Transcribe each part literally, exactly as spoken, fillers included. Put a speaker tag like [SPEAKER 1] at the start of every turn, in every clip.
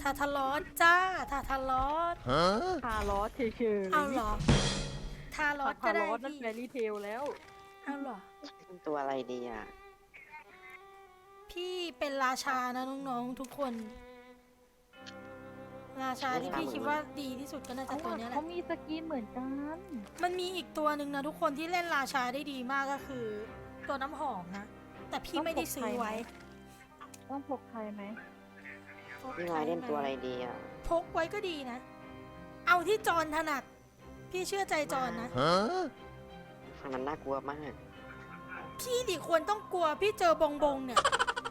[SPEAKER 1] าทารอสจ้าทาทารอส
[SPEAKER 2] ทารอสเฉยๆ
[SPEAKER 1] เอาเหรอทารอสก็
[SPEAKER 2] ทาร
[SPEAKER 1] ได้
[SPEAKER 2] อสนั่น
[SPEAKER 1] พี่
[SPEAKER 2] แฟรี่เทลแล้ว
[SPEAKER 1] เอาเหรอ
[SPEAKER 3] เป็นตัวอะไรดีอ่ะ
[SPEAKER 1] พี่เป็นราชานะน้องๆทุกคน ราชาที่พี่คิดว่าดีที่สุดก็น่าจะตัวเนี้ยแห
[SPEAKER 2] เขา
[SPEAKER 1] ละ
[SPEAKER 2] มีสกินเหมือนกัน
[SPEAKER 1] มันมีอีกตัวหนึ่งนะทุกคนที่เล่นราชาได้ดีมากก็คือ ตัวน้ำหอมนะ แต่พี่ไม่ได้ซื้อไว้
[SPEAKER 2] ต้องพกใครไหม
[SPEAKER 3] พี่นายเล่นตัวอะไรดีอ่ะ
[SPEAKER 1] พกไว้ก็ดีนะ เอาที่จอนถนัด พี่เชื่อใจจอนนะ
[SPEAKER 3] ฟังมันน่ากลัวมาก
[SPEAKER 1] พี่ดิควรต้องกลัวพี่เจอบงบงเนี่ย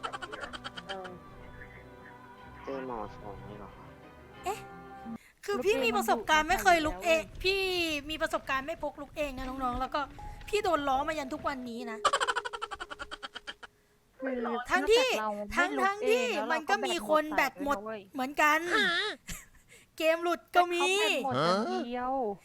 [SPEAKER 3] เจอหมอสองเลยเหรอ
[SPEAKER 1] คือพี่มีประสบการณ์ไม่เคยลุกเอง พี่มีประสบการณ์ไม่พกลุกเองนะน้องๆ แล้วก็พี่โดนล้อมายันทุกวันนี้นะ
[SPEAKER 2] คือ
[SPEAKER 1] ทั้งที่
[SPEAKER 2] นอกจากเรา
[SPEAKER 1] ทั้ง
[SPEAKER 2] ไม่ลุก
[SPEAKER 1] ทั้งที่
[SPEAKER 2] เองแล้ว
[SPEAKER 1] มันก็มีคนแบตหมด
[SPEAKER 2] เราก็แบตหมด
[SPEAKER 1] เหมือนกัน เกมหลุดก็มี
[SPEAKER 2] เขาแบตหมดอย่างเดียว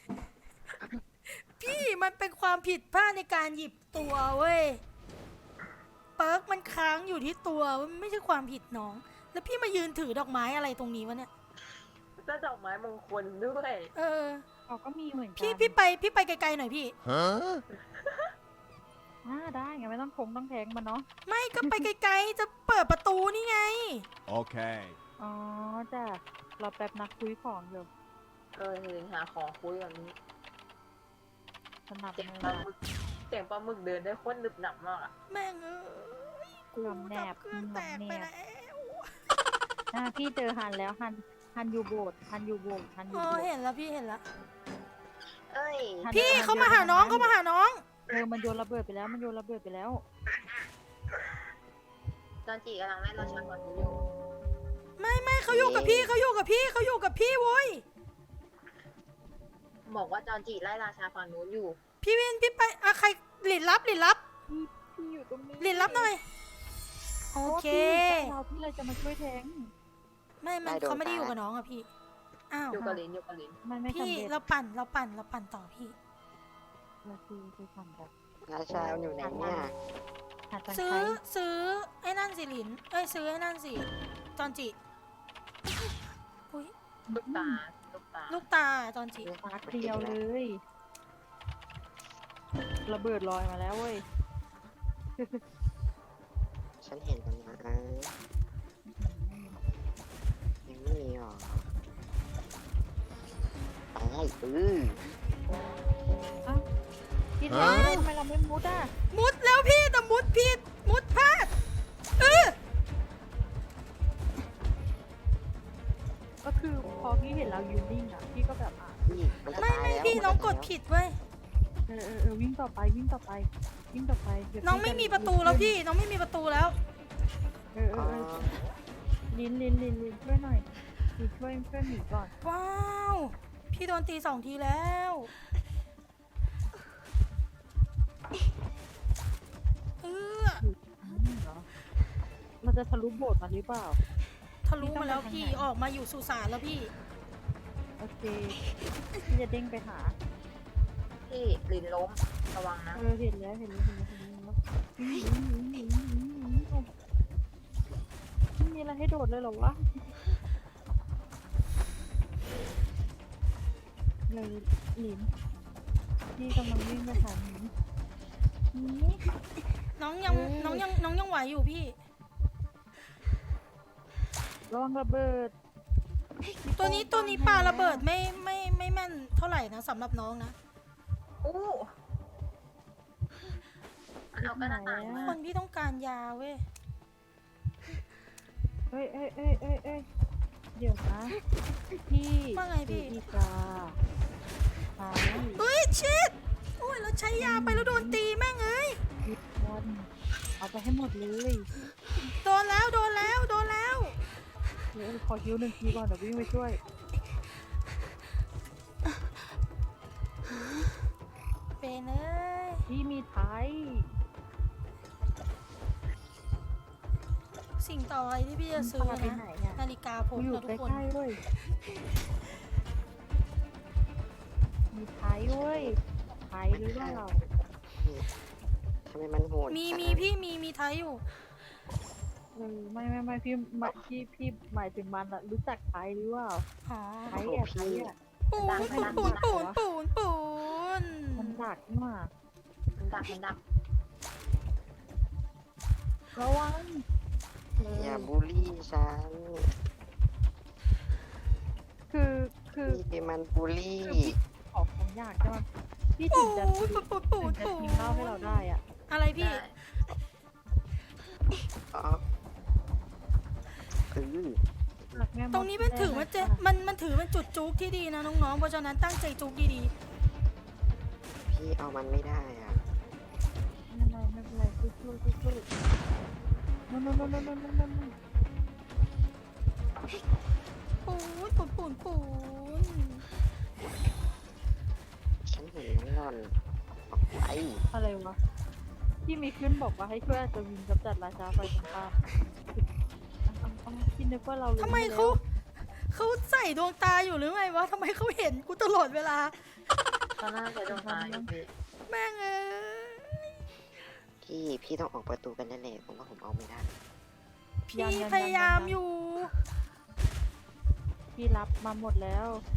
[SPEAKER 1] พี่มันเป็นความผิดพลาดในการหยิบตัวเว้ย เปิร์กมันค้างอยู่ที่ตัวมันไม่ใช่ความผิดน้อง แล้วพี่มายืนถือดอกไม้อะไรตรงนี้วะเนี่ย
[SPEAKER 4] ก็ดอกไม้มงคลด้วย
[SPEAKER 1] เออ
[SPEAKER 2] เขาก็มีเหมือนกัน
[SPEAKER 1] พี่พี่ไปพี่ไปไกลๆหน่อยพี่
[SPEAKER 2] อ่าได้ไงไม่ต้องพงต้องแทงมันเนาะ
[SPEAKER 1] ไม่ก็ไปไกลๆจะเปิดประตูนี่ไง
[SPEAKER 5] Okay.
[SPEAKER 2] อ๋อจ้ะเราแป๊บนักคุยของอยู่
[SPEAKER 4] เออเห็นหาของคุยแบบนี้
[SPEAKER 2] สนับ
[SPEAKER 4] เสียง
[SPEAKER 2] มือ
[SPEAKER 4] ปลาหมึกเสียงปลาหมึกเดินได้โคตรหนึบหนับมากอ่ะ
[SPEAKER 1] แม่งเอ้ยกู
[SPEAKER 2] ลำแนบ
[SPEAKER 1] ทำเครื่องแตกไป
[SPEAKER 2] ลำแนบ
[SPEAKER 1] แล้ว
[SPEAKER 2] อ่าพี่เจอฮันแล้วฮันฮันยูโบดฮันยูโบดฮันยู
[SPEAKER 1] อ๋อ
[SPEAKER 2] โบด
[SPEAKER 1] เห็นแล้วพี่เห็นแล้ว
[SPEAKER 4] เอ้ย
[SPEAKER 1] พี่เขามาหาน้องเขามาหาน้อง
[SPEAKER 2] เออมันโยนระเบิดไปแล้วมันโยนระเบิดไปแล้ว
[SPEAKER 4] จอนจีกำลังไล่ราชาก่อนอยู่
[SPEAKER 1] ไม่ไม่เขาอยู่กับพี่เขาอยู่กับพี่เขาอยู่กับพี่โว้ย
[SPEAKER 4] บอกว่าจอนจีไล่ราชาฝั่งนู้นอยู่
[SPEAKER 1] พี่วินพี่ไปอะใครหลินรับหลินรับ
[SPEAKER 2] พี่พี่อยู่ตรงนี้
[SPEAKER 1] หลินรับหน่อยโอเค
[SPEAKER 2] เราพี่เลยจะมาช่วยแทง
[SPEAKER 1] ไม่มันเขาไม่ได้อยู่กับน้องอะพี่อ้าว
[SPEAKER 4] อยู่กับลินอยู่กับลิน
[SPEAKER 2] มันไม่
[SPEAKER 1] พี่
[SPEAKER 2] สำเร็จ
[SPEAKER 1] เราปั่นเราปั่นเราปั่นต่อพี่
[SPEAKER 2] เราคือคือทำแบบ
[SPEAKER 3] ราชาอยู่ไหนเนี่ย
[SPEAKER 2] หาตังค์
[SPEAKER 1] ซื้อ
[SPEAKER 2] ใช้
[SPEAKER 1] ซื้อไอ้นั่นสิหลินเอ้ยซื้อไอ้นั่นสิจอนจิอุ้ย
[SPEAKER 4] ลูกตาลูกตา
[SPEAKER 1] ลูกตาจอนจิ
[SPEAKER 2] ปาเดียวเลยระเบิดลอยมาแล้วเว้ย
[SPEAKER 3] ฉันเห็นแล้วนะยังไม่มีหรอไปอือ
[SPEAKER 2] พี่แทงทำไมเราไม่มุดอ่ะ
[SPEAKER 1] มุดแล้วพี่แต่มุดผิดมุดพลาดเออ
[SPEAKER 2] ก็คือพอพี่เห็นเรายืนนิ่งอ่ะพี่ก็แบบอ่ะ
[SPEAKER 3] พี่มันจะ
[SPEAKER 1] ไม่
[SPEAKER 3] ตาย
[SPEAKER 1] ไม่
[SPEAKER 3] แล้ว
[SPEAKER 1] พี่น้องกดผิดเว้ย
[SPEAKER 2] เออเออเออวิ่งต่อไปวิ่งต่อไปวิ่งต่อไปเดี๋ยว
[SPEAKER 1] น้องไม่มีประตูแล้วพี่น้องไม่มีประตูแล้ว
[SPEAKER 2] เออเอ
[SPEAKER 3] อ๋
[SPEAKER 2] อ
[SPEAKER 3] อ
[SPEAKER 2] เออลินลินลินลินช่วยหน่อยลินช่วยช่วยหนีก่อน
[SPEAKER 1] ว้าวพี่โดนตีสองทีแล้วเออ
[SPEAKER 2] อืมเหรอเราจะทะลุโบสถ์มาหรือเปล่า
[SPEAKER 1] ทะลุมาแล้วพี่ออกมาอยู่สุสานแล้วพี่
[SPEAKER 2] โอเคพี่จะเด้งไปหา
[SPEAKER 4] ที่ลินล้มระวังนะ
[SPEAKER 2] เออเห็นแล้วเห็นแล้วเห็นแล้วเห็นแล้ววิ่งวิ่งวิ่งวิ่งวิ่งวิ่งวิ่งไม่มีอะไรให้โดดเลยเหรอวะเลยหลินพี่กำลังวิ่งไปหาหลินนี่
[SPEAKER 1] น้องยังน้องยังน้องยังไหวอยู่พี่
[SPEAKER 2] ระวังระเบิด
[SPEAKER 1] ตัวนี้ตัวนี้ปาระเบิดไม่ไม่ไม่แม่นเท่าไหร่นะสำหรับน้องนะ
[SPEAKER 4] อู้มันเอากระดาษต่างมา
[SPEAKER 1] คนพี่ต้องการยาเว้ย
[SPEAKER 2] เอ้ยเอ้ยเอ้ยเอ้ยเอ้ยเดี๋ยวนะพี่
[SPEAKER 1] ว่าไงพี่
[SPEAKER 2] อีกาไป
[SPEAKER 1] เฮ้ยชิดโอ้ยเราใช้ยาไปแล้วโดนตีแม่งเอ้ย
[SPEAKER 2] ทุกคนเอาไปให้หมดเลย
[SPEAKER 1] โดนแล้วโดนแล้วโดนแล้ว
[SPEAKER 2] เดี๋ยวขอคิวหนึ่งทีก่อนเดี๋ยววิ่งไปช่วย
[SPEAKER 1] เป็นเอ้ย
[SPEAKER 2] พี่มีไทย
[SPEAKER 1] สิ่งต่อไปที่พี่จะซื้อ
[SPEAKER 2] พาไป
[SPEAKER 1] นะ
[SPEAKER 2] ไหนเนี่ย
[SPEAKER 1] นาฬิกาพ
[SPEAKER 2] กู
[SPEAKER 1] ก
[SPEAKER 2] อยู่
[SPEAKER 1] นะ
[SPEAKER 2] ใก
[SPEAKER 1] ทุกคน
[SPEAKER 2] ล้ๆเว้ยมีไทยเว้ยไทยหรือเปล่า
[SPEAKER 3] ทำไมมันโหด
[SPEAKER 1] มี
[SPEAKER 3] จัง
[SPEAKER 1] มีพี่มีมีไทยอยู่
[SPEAKER 2] เออไม่ไม่ไม่พี่หมายพี่พี่หมายถึงมันอะรู้จักไทยหรือเปล่า
[SPEAKER 1] อ๋อ
[SPEAKER 2] ไทยอะไทยอะ
[SPEAKER 1] ปูนปูนปูนปูนปูน
[SPEAKER 2] มันดักนี่หว่า
[SPEAKER 4] มันดักมันดัก
[SPEAKER 2] ระวังเอ
[SPEAKER 3] อย่า
[SPEAKER 2] อ
[SPEAKER 3] บูลลี่ฉัน
[SPEAKER 2] คือคือ
[SPEAKER 3] พี่มันบูลลี่
[SPEAKER 2] ขอของยากใช่ไหมพี่ถึ
[SPEAKER 1] ปู
[SPEAKER 2] งจะ
[SPEAKER 1] น
[SPEAKER 2] ถึง
[SPEAKER 1] ปูนปูนปูน
[SPEAKER 2] จะ
[SPEAKER 1] ปู
[SPEAKER 2] ทิ้
[SPEAKER 1] น
[SPEAKER 2] งเหล้าให้เราได้อ่ะ
[SPEAKER 1] อะไรพี่
[SPEAKER 4] ได้
[SPEAKER 3] อ๋อเออ
[SPEAKER 1] ตรงนี้มันถือมันเจมันมันถือเป็นจุดจุกที่ดีนะน้องๆ เพราะฉะนั้นตั้งใจจุกดี
[SPEAKER 3] พี่เอามันไม่ได้อ่ะ
[SPEAKER 2] ไม่เป็นไรไม่เป็นไรสู้สู้สู้สู้นู่นนู่นนู่นนู่นนู่นนู่นนู่น
[SPEAKER 1] ๆ ปูนปูนปูนปูน
[SPEAKER 3] ฉันเห็นมันหล่อนออกไป
[SPEAKER 2] อะไรวะที่มีขึ้นบอกว่าให้ช่วยอัศวินกำจัดราชาไฟตรงข้ามเอาเอาเอาคิดนึกว่าเรารู้
[SPEAKER 1] ทำไม
[SPEAKER 2] แล้ว
[SPEAKER 1] เขาเขาใส่ดวงตาอยู่หรือไงวะทำไมเขาเห็นกูตลอดเวลา
[SPEAKER 4] ตอนหน้าจะโดนตายอยู่พี่
[SPEAKER 1] แม่งเอ้ย
[SPEAKER 3] พี่พี่ต้องออกประตูกันแน่ๆผมว่าผมเอาไม่ได้
[SPEAKER 1] พี่พยายามอยู่
[SPEAKER 2] พี่รับมาหมดแล้ว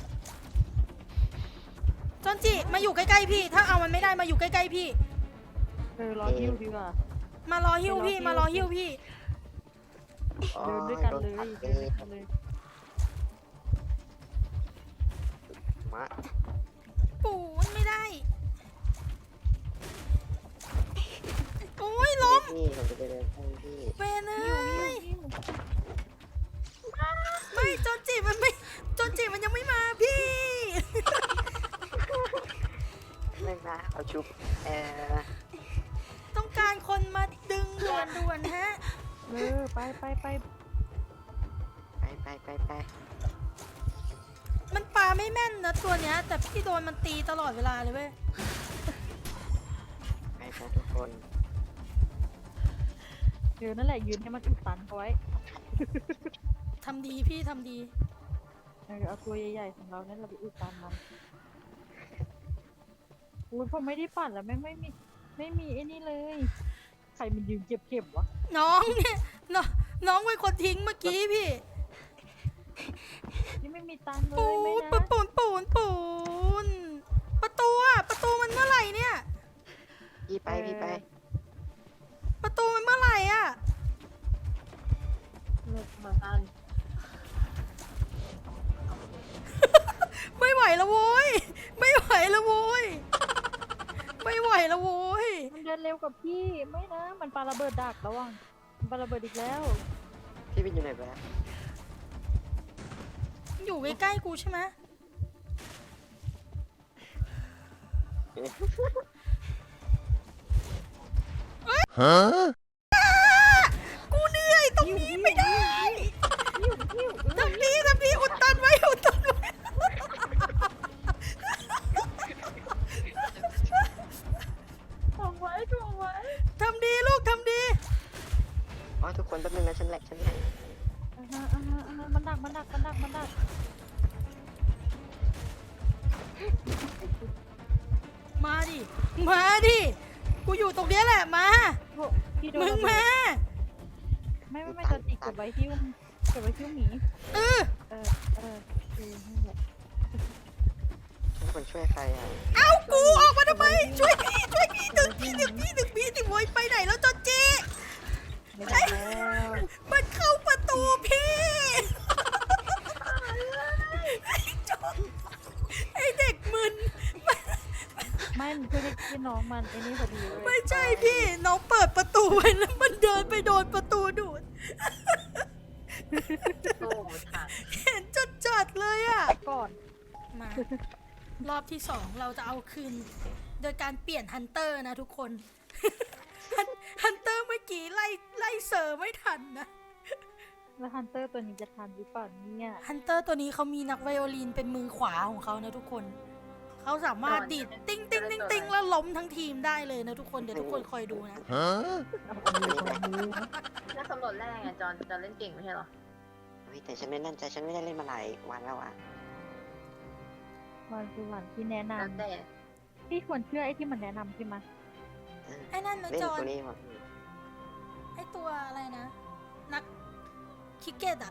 [SPEAKER 1] จอนจิมาอยู่ใกล้ๆพี่ ถ้าเอามันไม่ได้มาอยู่ใกล้ๆพี่
[SPEAKER 2] เออรอฮิวดีกว่า
[SPEAKER 1] มารอหิ้วพี่มารอหิ้วพี่
[SPEAKER 2] เดินด้วยกันเลย
[SPEAKER 3] โด
[SPEAKER 2] เดิ
[SPEAKER 3] น
[SPEAKER 2] น
[SPEAKER 3] ตั
[SPEAKER 2] ด้วยกันเลย
[SPEAKER 3] มา
[SPEAKER 1] ปูนไม่ได้โอ้ยล้ม
[SPEAKER 3] พี่ผมจะไปเดินให้พี่
[SPEAKER 1] เวนเอ้
[SPEAKER 2] หิวย หิว
[SPEAKER 1] ไม่จอนจิมันไม่จอนจิมันยังไม่มาพี่
[SPEAKER 3] ไม่มาเอาชุบเออ
[SPEAKER 1] ต้องการคนมาดึงด่วนด่วนๆฮะ
[SPEAKER 2] เออไปไปไป
[SPEAKER 3] ไปไปไปไป
[SPEAKER 1] มันปาไม่แม่นนะตัวเนี้ย แต่พี่โดนมันตีตลอดเวลาเลยเว้ย
[SPEAKER 3] ไปไปทุกคน
[SPEAKER 2] เออนั่นแหละยืนให้มันอุดตันเขาไว้
[SPEAKER 1] ทำดีพี่ทำดี
[SPEAKER 2] เออเอาตัวใหญ่ๆของเราเนี่ยเราไปอุดตันมันอุ้ยผมไม่ได้ปั่นแล้วแม่งไม่มีไม่มีไอ้นี่เลยใครมันยืนเก็บเก็บวะ
[SPEAKER 1] น้องเนี่ยน้องน้องเป็นคนทิ้งเมื่อกี้พี่
[SPEAKER 2] นี่ไม่มีตังค์เล
[SPEAKER 1] ปู
[SPEAKER 2] ยไม่
[SPEAKER 1] น
[SPEAKER 2] นะ
[SPEAKER 1] ปูนปูนปูนปูนประตูอะประตูมันเมื่อไหร่เนี่ย
[SPEAKER 3] พี่ไปพี่ไป
[SPEAKER 1] ประตูมันเมื่อไหร่อะ
[SPEAKER 4] เหมือนกัน
[SPEAKER 1] ไม่ไหวแล้วโว้ยไม่ไหวแล้วโว้ยไม่ไหวแล้วโว้ย
[SPEAKER 2] มันเดินเร็วกับพี่ไม่นะ มันปาระเบิดดักระวังมันปาระเบิดอีกแล้ว
[SPEAKER 3] พี่เป็นอยู่ไหนไปแล้ว
[SPEAKER 1] อยู่ใกล้ๆกูใช่ไหมกูเหนื่อยตรงนี้ไม่ได้
[SPEAKER 2] หิวหิวเออ
[SPEAKER 1] ทำดีทำดีอุดตันไว้อุดตันไว้
[SPEAKER 2] ถ่วงไว้ถ่วงไว้
[SPEAKER 1] ทำดีลูกทำดี
[SPEAKER 3] อ๋อทุกคนแป๊บนึงนะฉันแหลกฉันแหลก
[SPEAKER 2] อ่าฮะอ่าฮะอ่าฮะมันดักมันดักมันดักมันดัก
[SPEAKER 1] มาดิมาดิกูอยู่ตรงเนี้ยแหละมา
[SPEAKER 2] โถ่พี่โดน
[SPEAKER 1] มึง
[SPEAKER 2] ระเบิ
[SPEAKER 1] มา
[SPEAKER 2] ดไม่ไม่ไม่จะติดกับไว้ที่เก็บไว้ที่หมี
[SPEAKER 1] เออ
[SPEAKER 2] เออเออเออนั่นแหละ
[SPEAKER 3] ฉันควรช่วยใครอ่ะ
[SPEAKER 1] เอากูออกมาทำไมช่วยพี่ช่วยพี่ดึงพี่ดึงพี่ดึงพี่ดิโวยไปไหนแล้วจอนจี
[SPEAKER 2] ไม่ได้แล้ว
[SPEAKER 1] มันเข้าประตูพี่ไอ้จอนไอ้เด็กมึน
[SPEAKER 2] ไม่มันคือที่น้องมันไอ้นี่พอดีเลย
[SPEAKER 1] ไม่ใช่พี่น้องเปิดประตูไว้แล้วมันเดินไปโดนประตูดูด
[SPEAKER 4] สู้ไม่ทัน
[SPEAKER 1] เห็นจัดจัดๆเลยอะ
[SPEAKER 2] ก่อน
[SPEAKER 1] มารอบที่สองเราจะเอาคืน โดยการเปลี่ยนฮันเตอร์นะทุกคน ฮันฮันเตอร์เมื่อกี้ไล่ไล่เซอร์ไม่ทันนะ
[SPEAKER 2] แล้วฮันเตอร์ตัวนี้จะทันหรือเปล่าเนี่ย
[SPEAKER 1] ฮันเตอร์ตัวนี้เขามีนักไวโอลินเป็นมือขวาของเขานะทุกคน เขาสามารถดีดติ้งติ้งติ้งติ้งแล้วล้มทั้งทีมได้เลยนะทุกคน เดี๋ยวทุกคนคอยดูนะ
[SPEAKER 2] เอาเอามือเอามือ
[SPEAKER 4] ถ้าสำรวจแรกไงจอนจอนเล่นเก่งไม่ใช่เหรอ
[SPEAKER 3] เฮ้ยแต่ฉันไม่แน่นใจฉันไม่ได้เล่นมาหลายวันแล้วอ่ะ
[SPEAKER 2] วันคือวันที่แนะน
[SPEAKER 4] แล้วแต่
[SPEAKER 2] ำพี่ควรเชื่อไอ้ที่มันแนะนำใช่ไหม
[SPEAKER 3] เออ
[SPEAKER 1] ไอ้นั่นนะ
[SPEAKER 3] เล่น
[SPEAKER 1] จอน
[SPEAKER 3] ตัวนี้หมด
[SPEAKER 1] ไอ้ตัวอะไรนะนักคิกเก็ตอ่ะ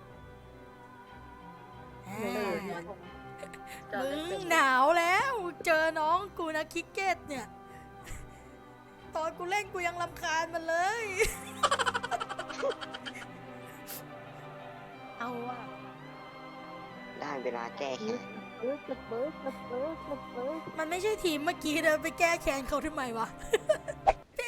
[SPEAKER 1] อ่
[SPEAKER 4] เออา เนี่ยจอน
[SPEAKER 1] มึ
[SPEAKER 4] เล่น
[SPEAKER 1] ง
[SPEAKER 4] เก่ง
[SPEAKER 1] หนาวแล้ว เจอน้องกูนะคิกเก็ตเนี่ย ตอนกูเล่นกูยังรำคาญมันเลย เอาว่ะ
[SPEAKER 3] ได้เวลาแก้แค้น
[SPEAKER 2] เบิร์ดเบิร์ดเบิร์ดเบิร์ดเบิร์ดเบิร์ด
[SPEAKER 1] มันไม่ใช่ทีมเมื่อกี้นะไปแก้แค้นเขาทำไมวะ เจ๊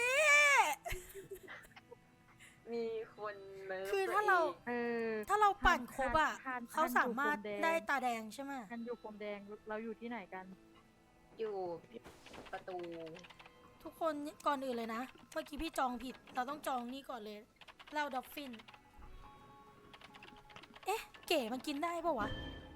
[SPEAKER 4] มีคนเนิร์ฟ
[SPEAKER 1] คือถ้าเรา
[SPEAKER 4] ตัวอง
[SPEAKER 2] เออ
[SPEAKER 1] ถ้าเราปั่นครบอ่ะ
[SPEAKER 2] ทาน
[SPEAKER 1] เขาสามารถ
[SPEAKER 2] ทานอยู่พรมแดง
[SPEAKER 1] ได้ตาแดงใช่ไหม
[SPEAKER 2] กันอยู่พรมแดงเราอยู่ที่ไหนกัน
[SPEAKER 4] อยู่ประตู
[SPEAKER 1] ทุกคนก่อนอื่นเลยนะ เมื่อกี้พี่จองผิด เราต้องจองนี่ก่อนเลยเหล้าดอฟฟิน เอ๊ะ เก๋มันกินได้ปะวะ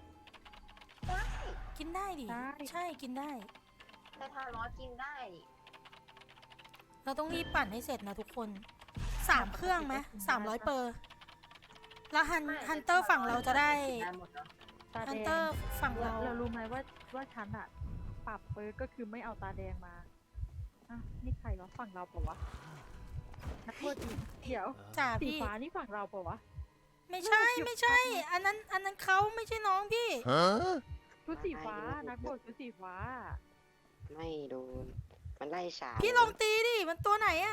[SPEAKER 1] กินได้ดิ
[SPEAKER 2] ได้
[SPEAKER 1] ใช่กินได้
[SPEAKER 4] แต่ทารอสกินได้
[SPEAKER 1] เราต้องรีบปั่นให้เสร็จนะทุกคน สามเครื่องไหมสามร้อยเปอร์ แล้วฮัน
[SPEAKER 4] ไม่
[SPEAKER 1] ฮันเตอร์ฝั่งเราจะได้
[SPEAKER 4] ได้หมดเนาะ
[SPEAKER 2] ตา
[SPEAKER 1] ฮัน
[SPEAKER 2] แด
[SPEAKER 1] เตอง ร์ฝั่ง
[SPEAKER 2] เรา
[SPEAKER 1] เรา
[SPEAKER 2] เรารู้ไหมว่าว่าฉันอะปรับเปิร์กก็คือไม่เอาตาแดงมาอ่ะนี่ใครวะฝั่งเราเปล่าวะนักบวชเดี๋ยว
[SPEAKER 1] จ่า
[SPEAKER 2] สี
[SPEAKER 1] พี่
[SPEAKER 2] ฟ้านี่ฝั่งเราเปล่าวะ
[SPEAKER 1] ไม่ใช่ไม่ใช่ อันนั้นอันนั้นเขาไม่ใช่น้องพี่
[SPEAKER 2] ชุดสีฟ้านักบวชชุดสีฟ้า
[SPEAKER 3] ไม่โดน มันไล่ฉาบ
[SPEAKER 1] พี่ลองตีดิ มันตัวไหนอะ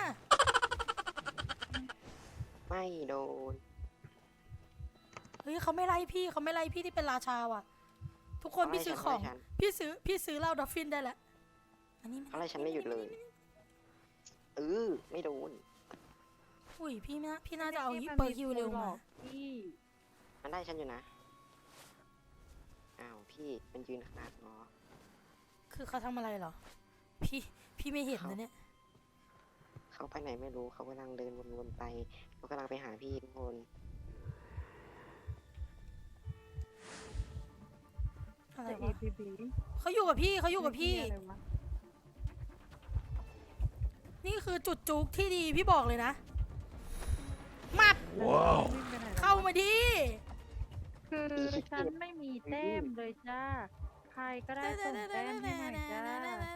[SPEAKER 3] ไม่โดน
[SPEAKER 1] เฮ้ยเขาไม่ไล่พี่เขาไม่ไล่พี่ที่เป็นราชาว่ะ ทุกคน
[SPEAKER 3] เขาไล่
[SPEAKER 1] พี่ซื้อ
[SPEAKER 3] ฉัน
[SPEAKER 1] ของ
[SPEAKER 3] เขาไล่ฉัน
[SPEAKER 1] พี่ซื้อพี่ซื้อเหล้าดอฟฟินได้แล้วอันนี้
[SPEAKER 3] เขาไล่ฉันไม่หยุดเลยเออไม่โดน
[SPEAKER 1] อุ้ยพี่นะพี่น่าจะเอา
[SPEAKER 2] นี่
[SPEAKER 1] ฮิป
[SPEAKER 2] มัน
[SPEAKER 1] เปอร์ฮิวเร็ว
[SPEAKER 2] หล
[SPEAKER 1] มา
[SPEAKER 2] อกพี่
[SPEAKER 3] มันไล่ฉันอยู่นะ อ้าวพี่มันยืนขนาดงอ
[SPEAKER 1] คือเขาทำอะไรเหรอ พี่พี่ไม่เห็น
[SPEAKER 3] เขา
[SPEAKER 1] นะเนี่ย
[SPEAKER 3] เขาไปไหนไม่รู้เขากำลังเดินวนๆไปเขากำลังไปหาพี่ทุกคน
[SPEAKER 1] อะไร
[SPEAKER 2] แต่
[SPEAKER 1] วะ
[SPEAKER 2] เอพีบี
[SPEAKER 1] เขาอยู่กับพี่เขาอยู่กับพี่
[SPEAKER 2] อะไรวะ
[SPEAKER 1] นี่คือจุดจุกที่ดีพี่บอกเลยนะมับ
[SPEAKER 2] ว้าววิ่งไปไหนแล้ววะ
[SPEAKER 1] เข้ามาดิ
[SPEAKER 2] คือฉันไม่มีแต้มเลยจ้า ใครก็ได้ส่งแต้มให้หน่อยจ้า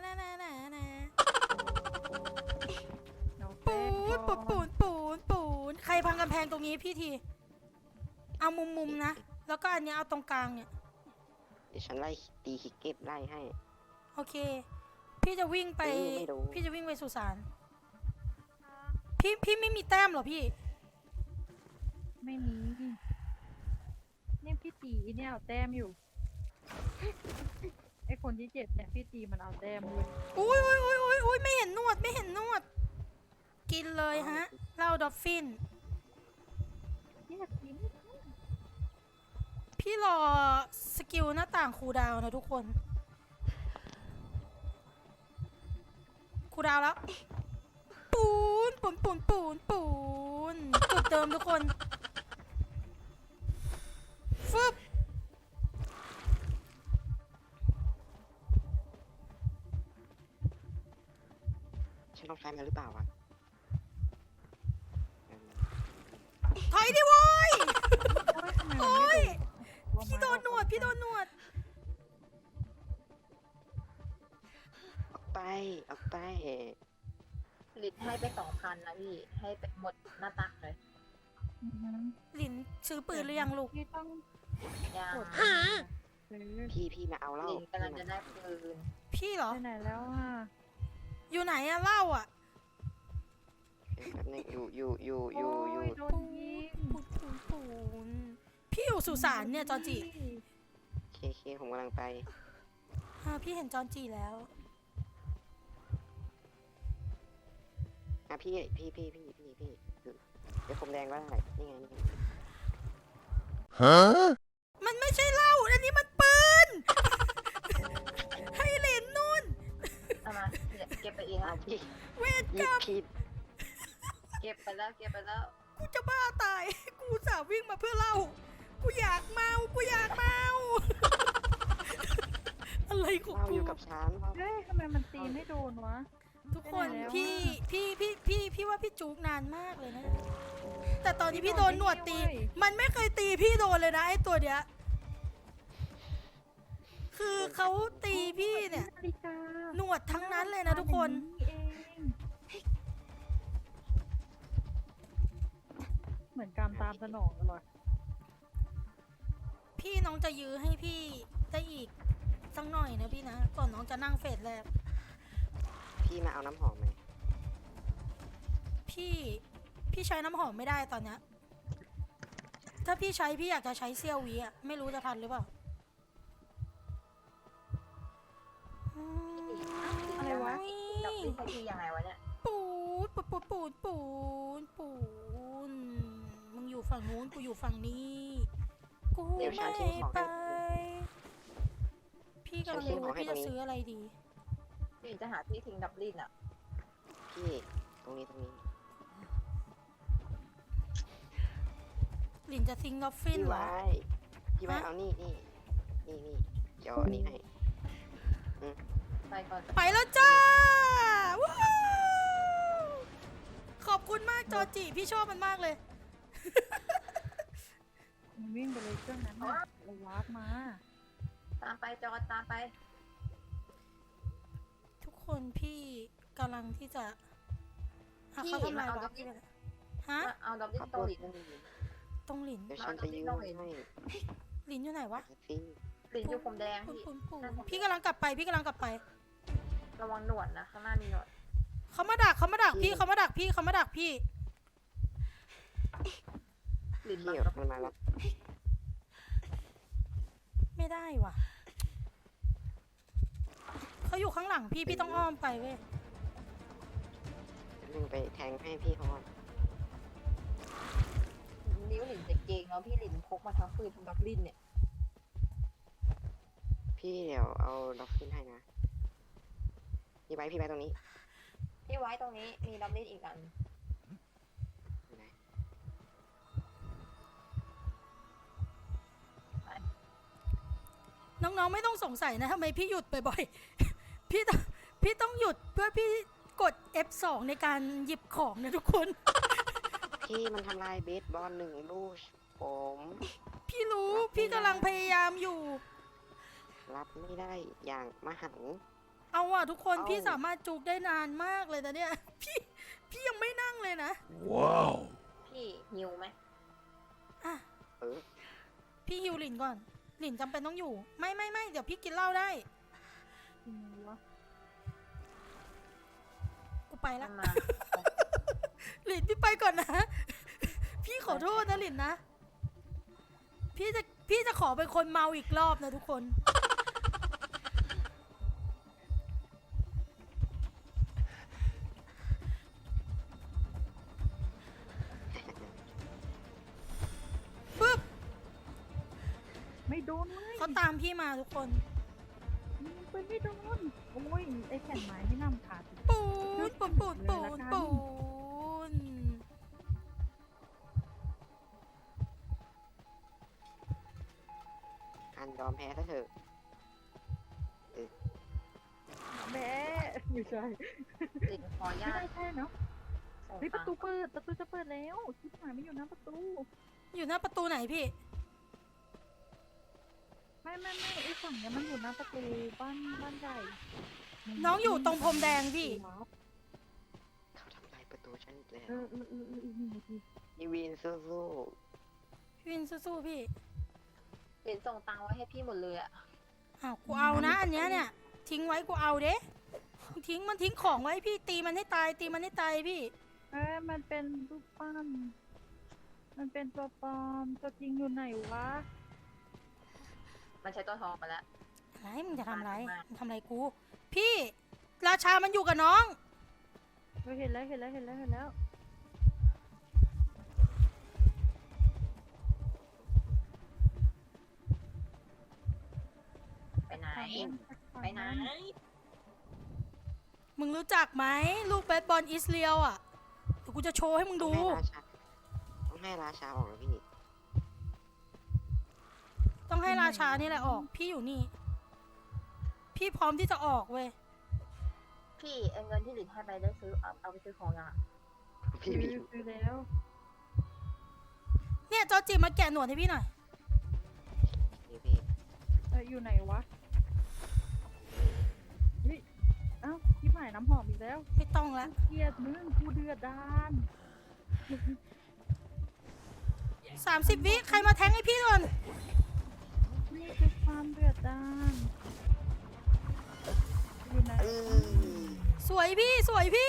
[SPEAKER 2] น้องแป้
[SPEAKER 1] ปู
[SPEAKER 2] ง
[SPEAKER 1] นปูนปูนปูนปูนใครพังกำแพงตรงนี้พี่ที เอามุมมุมๆนะ แล้วก็อันเนี้ยเอาตรงกลางเนี่ย
[SPEAKER 3] เดี๋ยวฉันไล่ตีคิกเก็บไล่ให้
[SPEAKER 1] โอเค พี่จะวิ่งไป
[SPEAKER 3] เออไม่รู้
[SPEAKER 1] พี่จะวิ่งไปสุสาน พี่พี่ไม่มีแต้มเหรอพี่
[SPEAKER 2] ไม่มีเนี่ยพี่ตีเนี่ยเอาแต้มอยู่ ไอคนที่เจ็บเนี่ยพี่ตีมันเอาแต้มเลย
[SPEAKER 1] อุ้ยอุ้ยอุ้ยอุ้ยอุ้ยไม่เห็นนวดไม่เห็นนวด กินเลยฮะเหล้าดอฟฟิน
[SPEAKER 2] เนี่ยกิน
[SPEAKER 1] พี่รอสกิลหน้าต่างคูลดาวน์นะทุกคน คูลดาวน์แล้ว ปูนปูนปูนปูนปูนจุดเดิมทุกคน ฟึบ
[SPEAKER 3] ฉันต้องใช้มันหรือเปล่าวะ
[SPEAKER 1] ถอยดิโว้ย
[SPEAKER 2] โอ้ยทำไมมันไม่
[SPEAKER 1] พี่โดนหนวด พี่โดนหนวด
[SPEAKER 3] ออกไปออกไป
[SPEAKER 4] ลิตให้ไปสองพันนะพี่ ให้ไปหมดหน้าตักเลย
[SPEAKER 2] อือหือ
[SPEAKER 1] หลินซื้อปืนหรือยังลูก
[SPEAKER 2] พี่ต้อง
[SPEAKER 4] ยัง
[SPEAKER 2] กดซื้อ
[SPEAKER 3] พี่พี่มาเอาเหล้า
[SPEAKER 4] ลินกำลังจะได้ปืน
[SPEAKER 1] พี่เหรอ
[SPEAKER 2] ไปไหนแล้วอ่ะ
[SPEAKER 1] อยู่ไหนอะเหล่าอะ
[SPEAKER 3] เดี๋ยวแป๊บนึงอยู่อยู่อยู่อยู่อยู่
[SPEAKER 2] โโดนยิง
[SPEAKER 1] ปูนปูนปูนพี่อยู่สุสานเนี่ยจอจิ
[SPEAKER 3] เคเคผมกำลังไป
[SPEAKER 1] อ่าพี่เห็นจอนจีแล้ว
[SPEAKER 3] อ่ะพี่พี่พี่พี่พี่พี่เดี๋ยวผมแดงก็ได้นี่ไงนี่ไง
[SPEAKER 1] มันไม่ใช่เหล้าอันนี้มันปืน ให้เหรนนู่น
[SPEAKER 4] เอามาเดี๋ยวเก็บไปเอง
[SPEAKER 3] อ้า
[SPEAKER 4] อะ
[SPEAKER 3] วพี่
[SPEAKER 1] เวร
[SPEAKER 3] ห
[SPEAKER 1] ก
[SPEAKER 3] ยิ
[SPEAKER 1] ร
[SPEAKER 3] บ
[SPEAKER 1] รม
[SPEAKER 3] ผิด
[SPEAKER 4] เก็บไปแล้วเก็บไปแล้ว
[SPEAKER 1] กูจะบ้าตาย กูสาวิ่งมาเพื่อเหล้ากูอยากเมา กูอยากเมา อะไรของ
[SPEAKER 3] เราอ
[SPEAKER 1] กู
[SPEAKER 3] ยู่กับฉัน
[SPEAKER 2] เฮ้ยทำไมมันตีไม่โดนวะ
[SPEAKER 1] ทุกคน
[SPEAKER 2] ไปไหนแล้ว
[SPEAKER 1] พี่
[SPEAKER 2] อะ
[SPEAKER 1] พี่พี่พี่พี่ว่าพี่จุกนานมากเลยนะ แต่ตอนที่พี่โดนหนวดตี
[SPEAKER 2] ไม่ได้เว้ย
[SPEAKER 1] มันไม่เคยตีพี่โดนเลยนะไอ้ตัวเนี้ย คือเขาตีพี่เนี่ย
[SPEAKER 2] นาฬิกา
[SPEAKER 1] หนวดทั้งนั้นเลยนะทุกคน
[SPEAKER 2] เองเหมือนตามสนองตลอด
[SPEAKER 1] พี่น้องจะยื้อให้พี่ได้อีกสักหน่อยนะพี่นะ ก่อนน้องจะนั่งเฟสแรก
[SPEAKER 3] พี่มาเอาน้ำหอมไหม
[SPEAKER 1] พี่ พี่ใช้น้ำหอมไม่ได้ตอนเนี้ยถ้าพี่ใช้พี่อยากจะใช้เซี่ยววีอะไม่รู้จะทันหรือเปล่าอืม
[SPEAKER 2] อะไรวะ
[SPEAKER 4] ดอกลิ้นให้พี่ยังไงวะเนี่ย
[SPEAKER 1] ปูนปูนปูนปูนปูนปูนมึงอยู่ฝั่งนู้นกูอยู่ฝั่งนี้กูไม่ไปพี่กำลังดูว่าพี่จะซื้ออะไรดี
[SPEAKER 4] พี่จะหาที่ทิ้งดับลิ้นอ่ะ
[SPEAKER 3] พี่ตรงนี้ตรงนี้
[SPEAKER 1] หลินจะซิงดอฟฟิน
[SPEAKER 3] พี่
[SPEAKER 1] เหรอ
[SPEAKER 3] ไว้พี่ไว้เอานี่นี่นี่นี่เดี๋ยวอันนี้ให้
[SPEAKER 4] ไปก่อน
[SPEAKER 1] ไปแล้วจ้าว้าวขอบคุณมากจอจิพี่ชอบมันมากเลย
[SPEAKER 2] มันวิ่งไปเลยเครื่องนั้นน่ะเราวาร์ปมา
[SPEAKER 4] ตามไปจอดตามไป
[SPEAKER 1] ทุกคนพี่กำลังที่จะหาเขาทำลายวะพี่ไปเลยฮะ
[SPEAKER 4] เอาดอกลิ้นโตลิดมันมี
[SPEAKER 1] ตรงหลิน
[SPEAKER 3] เดี๋ยวฉันจะยืนให้
[SPEAKER 1] หลินอยู่ไหนวะ
[SPEAKER 3] สิ
[SPEAKER 4] ลิ้นอยู่ผมแดง
[SPEAKER 1] ปูน
[SPEAKER 4] พี่
[SPEAKER 1] ปูนปูนพี่กำลังกลับไปพี่กำลังกลับไป
[SPEAKER 4] ระวังหนวดนะข้างหน้ามีหนวด
[SPEAKER 1] เขามาดักเขามาดักพี่เขามาดักพี่เขามาดักพี่
[SPEAKER 4] ลิ้น
[SPEAKER 3] พี่
[SPEAKER 4] บัง
[SPEAKER 3] มันมาแล้ว
[SPEAKER 1] ไม่ได้ว่ะเขาอยู่ข้างหลังพี่พี่ต้องอ้อมไปเว้ย
[SPEAKER 3] นึงไปแทงให้พี่เขาก่อน
[SPEAKER 4] นิ้วลิ้นจะเกงแล้วพี่ลิ้นพกมาทั้งปืนทั้งดอกลิ้นเนี่ย
[SPEAKER 3] พี่เดี๋ยวเอาด็อกฟินให้นะพี่ไว้พี่ไว้ตรงนี้
[SPEAKER 4] พี่ไว้ตรงนี้มีดอกลิ้นอีกอัน
[SPEAKER 3] อยู่ไหน
[SPEAKER 1] น้องๆไม่ต้องสงสัยนะทำไมพี่หยุดบ่อยๆ พี่ต้องพี่ต้องหยุดเพื่อพี่กด เอฟ สอง ในการหยิบของนะทุกคน
[SPEAKER 3] พี่มันทำลายเบสบอลหนึ่งลูกผม
[SPEAKER 1] พี่รู้พี่กำลังพยายามอยู่
[SPEAKER 3] รับไม่ได้อย่างมหันต์
[SPEAKER 1] เอาว่ะทุกคน
[SPEAKER 3] เอา
[SPEAKER 1] พี่สามารถจุกได้นานมากเลยแต่เนี่ย พี่พี่ยังไม่นั่งเลยนะ
[SPEAKER 4] พี่หิวไหม
[SPEAKER 1] อ่ะ
[SPEAKER 3] เออ
[SPEAKER 1] พี่ฮิวหลินก่อน หลินจำเป็นต้องอยู่ ไม่ไม่ไม่เดี๋ยวพี่กินเหล้าได้
[SPEAKER 2] จริงวะ
[SPEAKER 1] กูไป
[SPEAKER 4] มั
[SPEAKER 1] ละ
[SPEAKER 4] นมา
[SPEAKER 1] หลินพี่ไปก่อนนะ พี่ขอโทษนะหลินนะ พี่จะพี่จะขอเป็นคนเมาอีกรอบนะทุกคน ปึ๊บ
[SPEAKER 2] ไม่โดนเลย
[SPEAKER 1] เขาตามพี่มาทุกคน
[SPEAKER 2] มันไปไม่โดนโอ้ยไอ้แผ่นไม้ไม่นำขาด
[SPEAKER 1] ปูนปูนปูนปูนปูน
[SPEAKER 3] การยอมแพ้ซะเถอะ
[SPEAKER 2] แม่ไม่ใช่
[SPEAKER 4] ลิ้นขอ
[SPEAKER 2] ไม่
[SPEAKER 4] ญา
[SPEAKER 2] ได้
[SPEAKER 4] ต
[SPEAKER 2] แค่เนาะ
[SPEAKER 4] ส่ง
[SPEAKER 2] เฮ้ยป
[SPEAKER 4] ตั
[SPEAKER 2] ระ
[SPEAKER 4] ง
[SPEAKER 2] ตู
[SPEAKER 4] ค์
[SPEAKER 2] เปิดประตูจะเปิดแล้วชิบหายไม่อยู่หน้าประตู
[SPEAKER 1] อยู่หน้าประตูไหนพี่
[SPEAKER 2] ไม่ไม่ไม่ไอ้ฝั่งเนี้ยมันอยู่หน้าประตูบ้านบ้านใหญ่
[SPEAKER 1] น้องอยู่ตรงพรมแดงพี่
[SPEAKER 3] เขาทำลายประตูฉันอีกแล้ว
[SPEAKER 2] เออเออเออเอออีกหนึ่งนาที
[SPEAKER 3] ยีวีนสู้
[SPEAKER 1] พี่วินสู้ๆพี่
[SPEAKER 4] ลิ้นส่งตังค์ไว้ให้พี่หมดเลยอ่ะ
[SPEAKER 1] อ้าวกูเอานะอันเนี้ยเนี่ย ทิ้งไว้กูเอาเด้ทิ้งมันทิ้งของไว้พี่ตีมันให้ตายตีมันให้ตายพี่
[SPEAKER 2] เอ้ยมันเป็นรูปปั้นมันเป็นตัวปลอมตัวจริงอยู่ไหนวะ
[SPEAKER 4] มันใช้ตัวทองมาแล้ว
[SPEAKER 1] อะไรมึงจะทำอะไร
[SPEAKER 4] มาก
[SPEAKER 1] มึงทำอะไรกู พี่ ราชามันอยู่กับน้อง
[SPEAKER 2] เราเห็นแล้วเห็นแล้วเห็นแล้วเห็นแล้ว
[SPEAKER 4] ไปไหน ไปไหน
[SPEAKER 1] มึงรู้จักไหมลูกเบสบอลอิสเรียลอ่ะเดี๋ยวกูจะโชว์ให้มึง
[SPEAKER 3] ๆต้อ
[SPEAKER 1] ดู
[SPEAKER 3] งให้ราชาต้องให้ราชาออกแล้วพี่
[SPEAKER 1] ต้องให้ราชานี่แหละออก พี่อยู่นี่ พี่พร้อมที่จะออกเว้ย
[SPEAKER 4] พี่เอาเงินที่ลิ้นให้ไปได้ซื้อเอาเอาไปซื้อของยังอะ
[SPEAKER 3] พี่
[SPEAKER 2] คือ
[SPEAKER 3] พี่
[SPEAKER 2] คือแล้ว
[SPEAKER 1] เนี่ยจอจิมาแกะหนวดให้พี่หน่อย
[SPEAKER 3] พี่พี่
[SPEAKER 2] เอออยู่ไหนวะเฮ้ยเอ้าชิบหายน้ำหอมอีกแล้ว
[SPEAKER 1] ไม่ต้องละ
[SPEAKER 2] เกลียดมึงกูเดือดดาน
[SPEAKER 1] สามสิบวิใครมาแทงให้พี่ก่อน
[SPEAKER 2] นี่คือความเดือดดาลอยู่ไหน
[SPEAKER 3] เออ
[SPEAKER 1] สวยพี่สวยพี่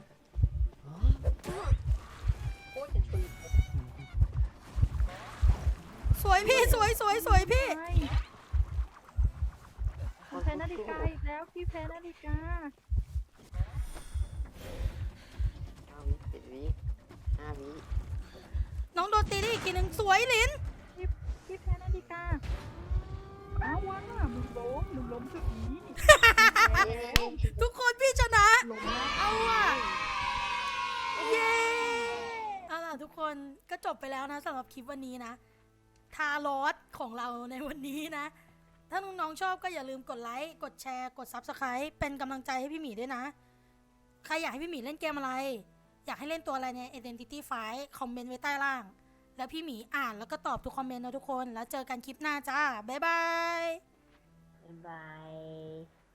[SPEAKER 4] โอ้ยจะชุย
[SPEAKER 1] สวยพี่สวยสวยสวยพี่
[SPEAKER 2] ไม่แพ้นาฬิกาอีกแล้วพี่แพ้นาฬิกา
[SPEAKER 3] เก้าวิเจ็ดวิห้าวิ
[SPEAKER 1] น้องโดนตีได้อีกทีหนึ่งสวยหลิน
[SPEAKER 2] พี่พี่แพ้นาฬิกาอ้าวว่ะมึงล้มมึงล้มจุดนี้
[SPEAKER 1] ทุกคนพี่ชนะ
[SPEAKER 2] ล้มแล้ว
[SPEAKER 1] เอาอ่ะ เย้เอาล่ะทุกคนก็จบไปแล้วนะสำหรับคลิปวันนี้นะ ทารอสของเราในวันนี้นะ ถ้าน้องๆชอบก็อย่าลืมกดไลค์ กดแชร์ กด ซับสไครบ์ เป็นกำลังใจให้พี่หมีด้วยนะ ใครอยากให้พี่หมีเล่นเกมอะไร อยากให้เล่นตัวอะไรใน Identity Fight คอมเมนต์ไว้ใต้ล่าง แล้วพี่หมีอ่านแล้วก็ตอบทุกคอมเมนต์นะทุกคน แล้วเจอกันคลิปหน้าจ้า บ๊ายบาย
[SPEAKER 4] บาย